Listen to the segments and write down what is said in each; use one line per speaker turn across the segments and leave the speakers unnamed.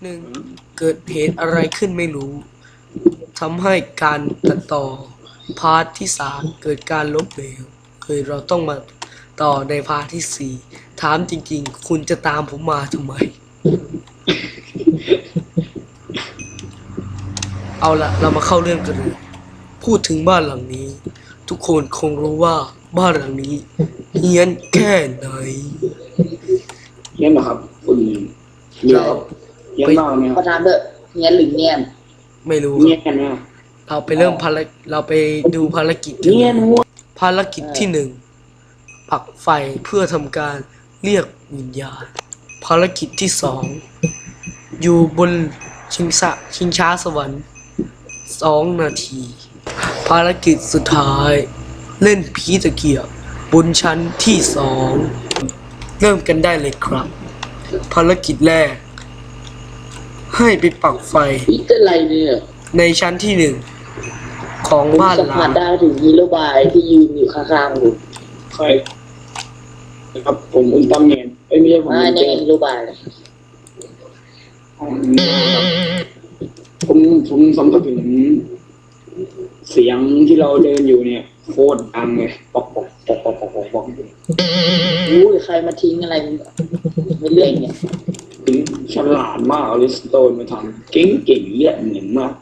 หนึ่งเกิดเหตุอะไรขึ้นไม่รู้ทำให้การตัดต่อพาร์ทที่3เกิดการล้มเหลวเราต้องมาต่อในพาร์ทที่4ถามจริงๆคุณจะตามผมมาทำไม เอาละเรามาเข้าเรื่องกันเลยพูดถึงบ้านหลังนี้ทุกคนคงรู้ว่าบ้านหลังนี้เฮี้ยนแค่ไหน
เฮี้ยนเหรอครับคุณเดี๋ยวเฮี้ยนมากไหมครับ
ประธานเถอะเงี้ยหรือเงี้ย
ไม่รู้
เฮี้ยนนะ
เราไปเริ่มเราไปดูภารกิจกัน
เฮี้ยนหัว
ภารกิจที่1ปักไฟเพื่อทำการเรียกวิญญาณภารกิจที่2อยู่บนชิงช้าสวรรค์2 นาทีภารกิจสุดท้ายเล่นผีตะเกียบบนชั้นที่2เริ่มกันได้เลยครับภารกิจแรกให้ไปปักไฟ
นี่เป็นไรเนี่ย
ในชั้นที่1ของบ้านหลัง
ได้ถึงฮีโร่บายที่ยืนอยู่ข้างๆผม
ใครครับผมอุลตร้าแมนไม่ใช่ผม
นี่ฮีโร่บาย
ผมสัมผัสถึงเสียงที่เราเดินอยู่เนี่ยโคตรดังเลยปอก
รู้ใครมาทิ้งอะไรไม่เรื่องเนี่ย
ถึงฉลาดมากอลิสโตนมาทำเก่งเยี่ยมเหมือนมาก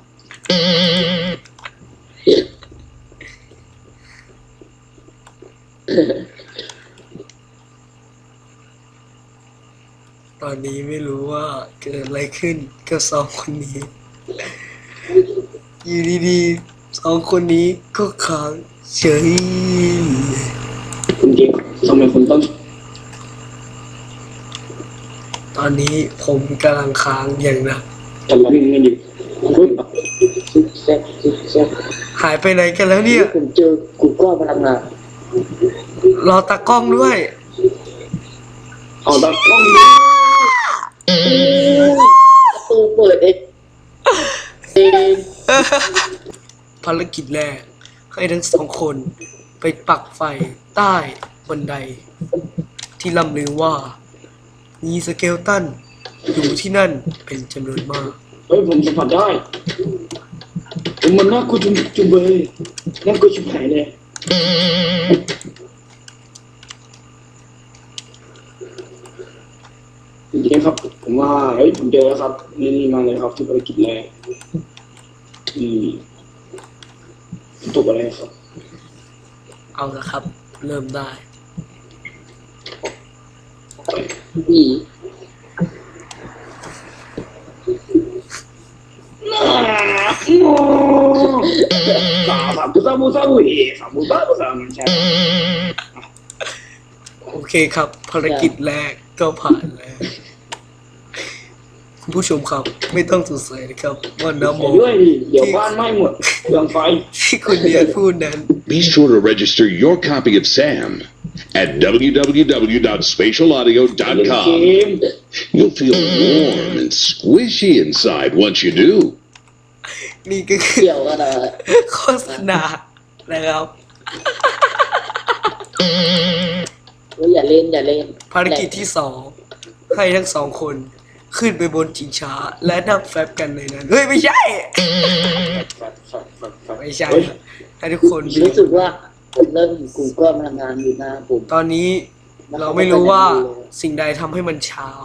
ตอนนี้ไม่รู้ว่าเกิดอะไรขึ้นกับ2 คนนี้อยู่ดีๆ2 คนนี้ก็ค้างเฉย
คุณเก่งทำไมคุณต้อง
ตอนนี้ผมกำลังค้างอย่างหนัก
จะมาวิ่งกันอยู่
หายไปไหนกันแล้วเนี่ย
ผมเจอกูก็พลังงาน
รอตากล้องด้วย
เอาตากล้อง
ประตูเปิดเอง
ภารกิจแรกให้ทั้ง2 คนไปปักไฟใต้บันไดที่ล่ำลือว่ามีสเกลตันอยู่ที่นั่นเป็นจำนวนมาก
ผมสัมผัสได้มันน่ากลัวจุ๊บเลยน่ากลัวชิบหายเลยจริงๆครับผมว่าผมเจอแล้วครับนี่มาเลยครับที่ภารกิจแรกตกอะไรครับ
เอาละครับเริ่มได้
ผี
โอเคครับภารกิจแรกก็ผ่านแล้วคุณผู้ชมครับไม่ต้องสงสัยนะครับว่าน้ำโม
ด้วยเดี๋ยวบ้านไหม้หมดเปลืองไฟ
ที่คุณเดียนพูดนั้น
Be sure to register your copy of Sam at www.spatialaudio.com. You'll feel warm and squishy inside once you do.
นี่ก็คือโฆษณานะครับ
อย่าเล่น
ภารกิจที่2ให้ทั้ง2 คนขึ้นไปบนชิงช้าและนั่งแฟบกันในนั้นไม่ใช่ให้ทุกคน
รู้สึกว่าผมเริ่มกูก็ทำงานอยู่นะผม
ตอนนี้เราไม่รู้ว่าสิ่งใดทำให้มันเช้า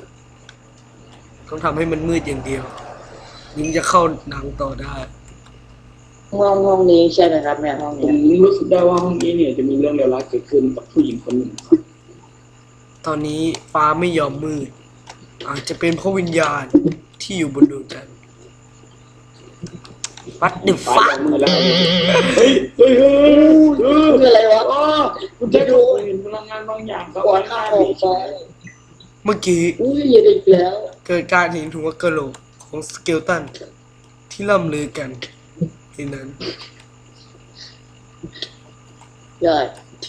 ต้องทำให้มันมืดอย่างเดียวยิ่งจะเข้าหนังต่อได้
ห้องนี้ใช่ไหมครับแม่ห้องนี้
ผมรู้สึกได้ว่าห้องนี้เนี่ยจะมีเรื่องเลวร้ายเกิดขึ้นกับผู้หญิงคนหนึ่ง
ตอนนี้ฟ้าไม่ยอมมืดอาจจะเป็นเพราะวิญญาณที่อยู่บนดวงจันทร์วัดดึกฟ้า
เฮ้ย
คืออะไรวะ
คุณจะดูเห็นพลังงานบางอย่าง
ก่อนหน้าของฟ้า
เมื่อกี้
อย่าดึกแล้ว
เกิดการเห็นหัวกะโหลกของสเกลตันที่ล่ำลือกันที่นั้น
ใช่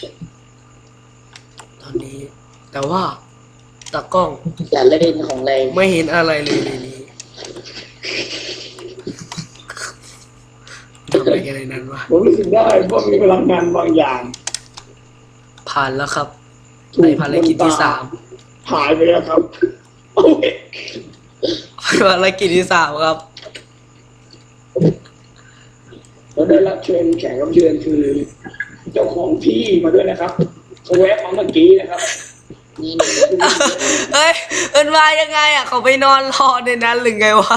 ตอนนี้แต่ว่าตากล้อง
อย่าเล่นของแรง
ไม่เห็นอะไรเลยในนี้ทำอะไรกันในนั้นวะ
ผมรู้สึกได้ว่ามีพลังงานบางอย่าง
ผ่านแล้วครับในภารกิจที่3
หายไปแล้วครับ
ภภารกิจที่3ครับ
เราได้รับเชิญแขกรับเชิญคือ เจ้าของที่มาด้วยนะครับเขาแวะมาเมื่อกี้นะครับ
นี่
เอ้ยมันมายังไงอ่ะเขาไปนอนรอในนั้นหรือไงวะ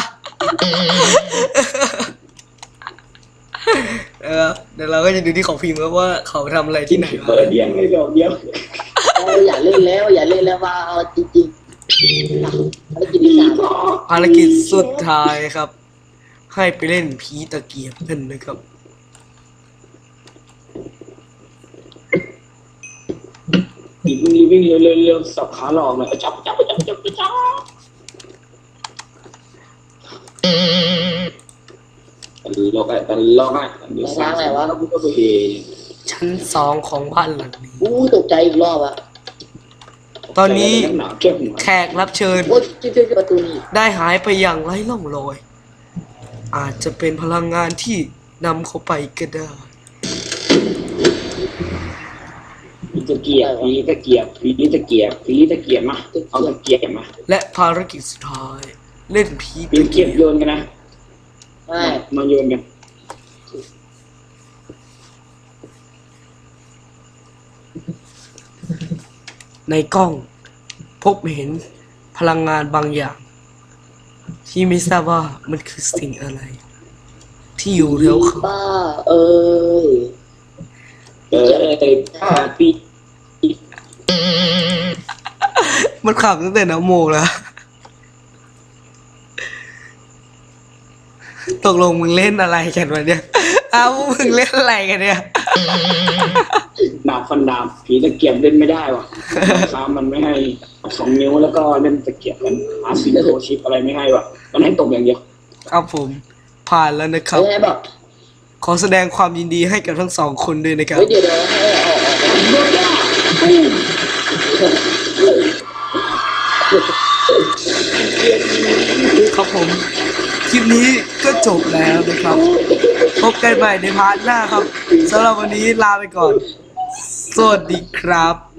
เดี๋ยวเราก็จะดูที่ของพิมพ์ครับว่าเขาทำอะไรที่ไหนมา
เปิดเดียงเลยดอกเดียว
อย่าเล่นแล้วอย่าเล่นแล้วว่าเอาจริงๆภารกิจที่3
ภารกิจสุดท้ายครับ ให้ไปเล่นผีตะเกียบกันนะครับ
วิ่งเร็วสับขาหลอกหน่อยจับลอกอ่ะเดี๋ยวล้างอะไรวะก็ไปเฮ
ชั้น2ของบ้านหลังนี้
ตกใจอีกรอบอะ
ตอนนี้
หนาวแค่หัว
แขกรับเชิญ
โอ้ยช่วยประตูนี่
ได้หายไปอย่างไร้ร่องรอย อาจจะเป็นพลังงานที่นำเขาไปก็ได้
ผีตะเกียบมาเอาตะเกียบมา
และภารกิจสุดท้าย เล่นผี
ปีน
ตะ
เกี
เกี
ย
ย
บบ โยนกันนะ
ไม่
มาโยนกัน
ในกล้อง พบเห็นพลังงานบางอย่าง ที่ไม่ทราบว่ามันคือสิ่งอะไร ที่อยู่แถวเขา
บ้าเอ้ย
ผ้าปี
มันขับตั้งแต่น้ำโมแล้ว ตกลงมึงเล่นอะไรกันวะเนี่ย มึงเล่นอะไรกันเนี่ย
ดาบฟันดาบผีตะเกียบเล่นไม่ได้ว่ะค้ามันไม่ให้2 นิ้วแล้วก็เล่นตะเกียบมันหาซิงโครชิปอะไรไม่ให้ว่ะมันให้ตกอย่างเดียว
ครับผม ผ่านแล้วนะครับ
ไงบอก
ขอแสดงความยินดีให้กับทั้ง2 คนด้วยนะครับ
เดี๋ยวให้ออก
ครับผม คลิปนี้ก็จบแล้วนะครับ พบกันใหม่ในพาร์ทหน้าครับสำหรับวันนี้ลาไปก่อน สวัสดีครับ